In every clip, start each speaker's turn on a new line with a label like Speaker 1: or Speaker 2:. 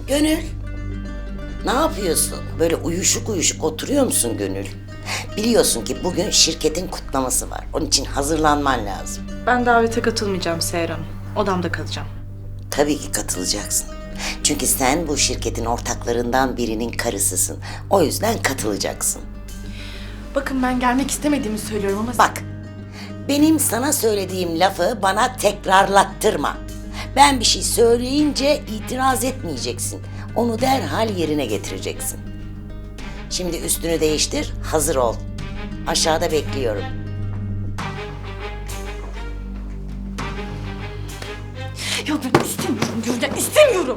Speaker 1: Gönül, ne yapıyorsun? Böyle uyuşuk uyuşuk oturuyor musun Gönül? Biliyorsun ki bugün şirketin kutlaması var. Onun için hazırlanman lazım.
Speaker 2: Ben davete katılmayacağım Seher Hanım. Odamda kalacağım.
Speaker 1: Tabii ki katılacaksın. Çünkü sen bu şirketin ortaklarından birinin karısısın. O yüzden katılacaksın.
Speaker 2: Bakın ben gelmek istemediğimi söylüyorum ama...
Speaker 1: Bak, benim sana söylediğim lafı bana tekrarlattırma. Ben bir şey söyleyince itiraz etmeyeceksin. Onu derhal yerine getireceksin. Şimdi üstünü değiştir, hazır ol. Aşağıda bekliyorum.
Speaker 2: Ya ben istemiyorum Gülden, istemiyorum.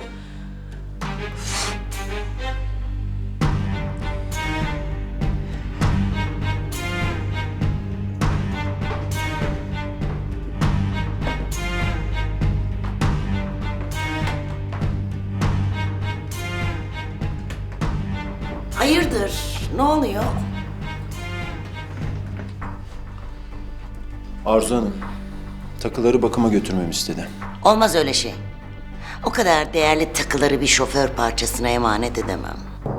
Speaker 1: Hayırdır? Ne oluyor?
Speaker 3: Arzu Hanım, takıları bakıma götürmemi istedi.
Speaker 1: Olmaz öyle şey. O kadar değerli takıları bir şoför parçasına emanet edemem.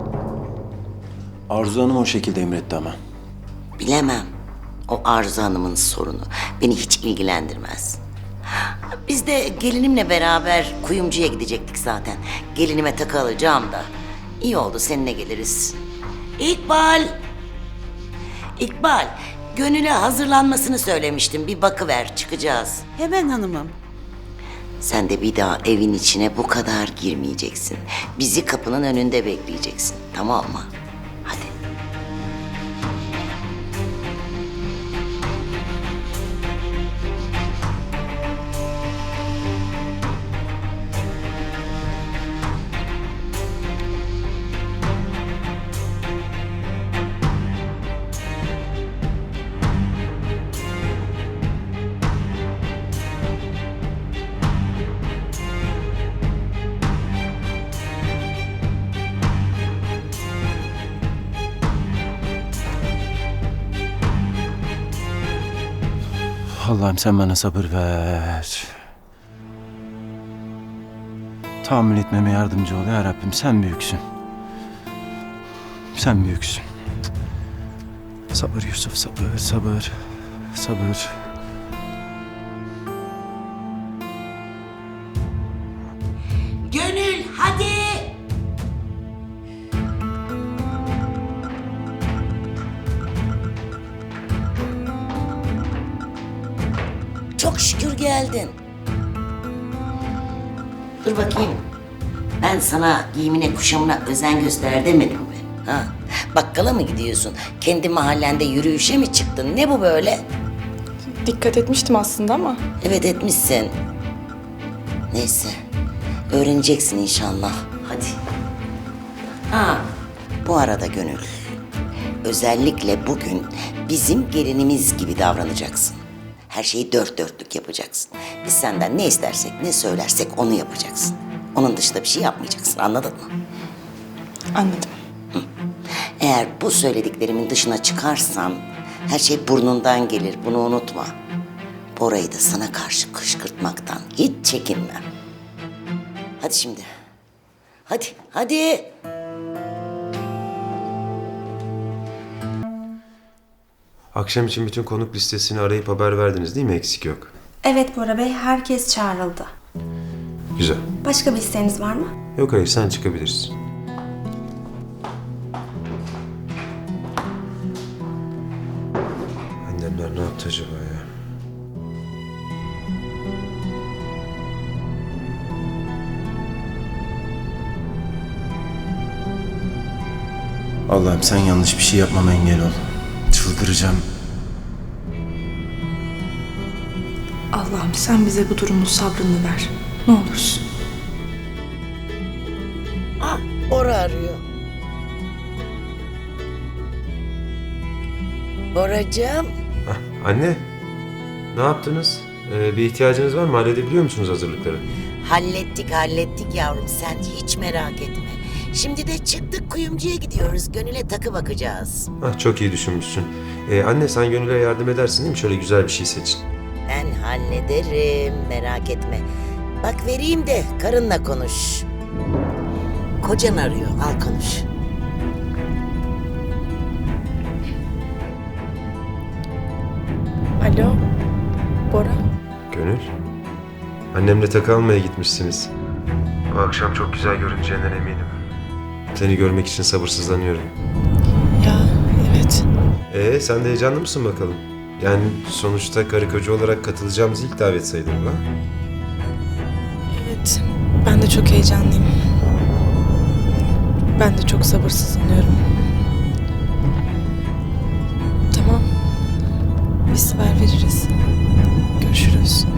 Speaker 3: Arzu Hanım o şekilde emretti ama.
Speaker 1: Bilemem. O Arzu Hanım'ın sorunu. Beni hiç ilgilendirmez. Biz de gelinimle beraber kuyumcuya gidecektik zaten. Gelinime takı alacağım da. İyi oldu seninle geliriz. İkbal! İkbal, Gönül'e hazırlanmasını söylemiştim. Bir bakıver, çıkacağız.
Speaker 4: Hemen hanımım.
Speaker 1: Sen de bir daha evin içine bu kadar girmeyeceksin. Bizi kapının önünde bekleyeceksin. Tamam mı? Hadi.
Speaker 3: Allah'ım sen bana sabır ver. Tahammül etmeme yardımcı ol ya Rabbim. Sen büyüksün. Sen büyüksün. Sabır Yusuf, sabır, sabır, sabır.
Speaker 1: Gönül, hadi! Çok şükür geldin. Dur bakayım. Ben sana giyimine kuşamına özen göster demedim mi? Ha? Bakkala mı gidiyorsun? Kendi mahallende yürüyüşe mi çıktın? Ne bu böyle?
Speaker 2: Dikkat etmiştim aslında ama...
Speaker 1: Evet etmişsin. Neyse. Öğreneceksin inşallah. Hadi. Ha, bu arada Gönül. Özellikle bugün bizim gelinimiz gibi davranacaksın. Her şeyi dört dörtlük yapacaksın. Biz senden ne istersek, ne söylersek onu yapacaksın. Onun dışında bir şey yapmayacaksın. Anladın mı?
Speaker 2: Anladım.
Speaker 1: Eğer bu söylediklerimin dışına çıkarsan her şey burnundan gelir. Bunu unutma. Bora'yı da sana karşı kışkırtmaktan hiç çekinmem. Hadi şimdi. Hadi, hadi.
Speaker 5: Akşam için bütün konuk listesini arayıp haber verdiniz değil mi? Eksik yok.
Speaker 6: Evet Bora Bey, herkes çağrıldı.
Speaker 5: Güzel.
Speaker 6: Başka bir isteğiniz var mı?
Speaker 5: Yok hayır, sen çıkabilirsin. Annemler ne yaptı acaba ya?
Speaker 3: Allah'ım sen yanlış bir şey yapmama engel ol. Çıldıracağım.
Speaker 2: Allah'ım sen bize bu durumun sabrını ver. Ne olursun.
Speaker 1: Ah, Bora arıyor. Boracığım.
Speaker 5: Anne, ne yaptınız? Bir ihtiyacınız var mı? Halledebiliyor musunuz hazırlıkları?
Speaker 1: Hallettik yavrum. Sen hiç merak etme. Şimdi de çıktık kuyumcuya gidiyoruz. Gönül'e takı bakacağız.
Speaker 5: Çok iyi düşünmüşsün. Anne sen Gönül'e yardım edersin değil mi? Şöyle güzel bir şey seçin.
Speaker 1: Ben hallederim. Merak etme. Bak vereyim de karınla konuş. Kocan arıyor, al konuş.
Speaker 2: Alo, Bora.
Speaker 5: Gönül. Annemle takı almaya gitmişsiniz. Bu akşam çok güzel görüneceğinden eminim. Seni görmek için sabırsızlanıyorum.
Speaker 2: Ya evet.
Speaker 5: Sen de heyecanlı mısın bakalım? Yani sonuçta karı koca olarak katılacağımız ilk davet sayılır bu, ha?
Speaker 2: Evet, ben de çok heyecanlıyım. Ben de çok sabırsızlanıyorum. Tamam. Biz haber veririz. Görüşürüz.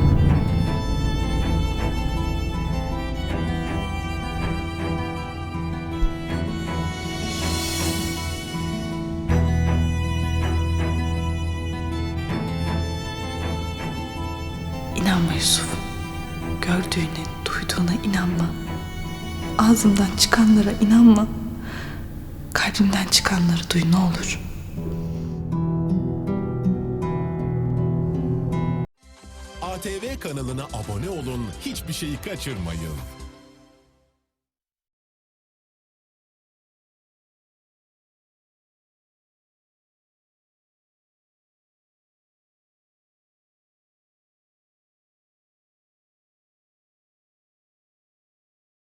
Speaker 2: İnanma Yusuf. Gördüğüne, duyduğuna inanma. Ağzımdan çıkanlara inanma. Kalbimden çıkanları duy ne olur.
Speaker 4: ATV kanalına abone olun, hiçbir şeyi kaçırmayın.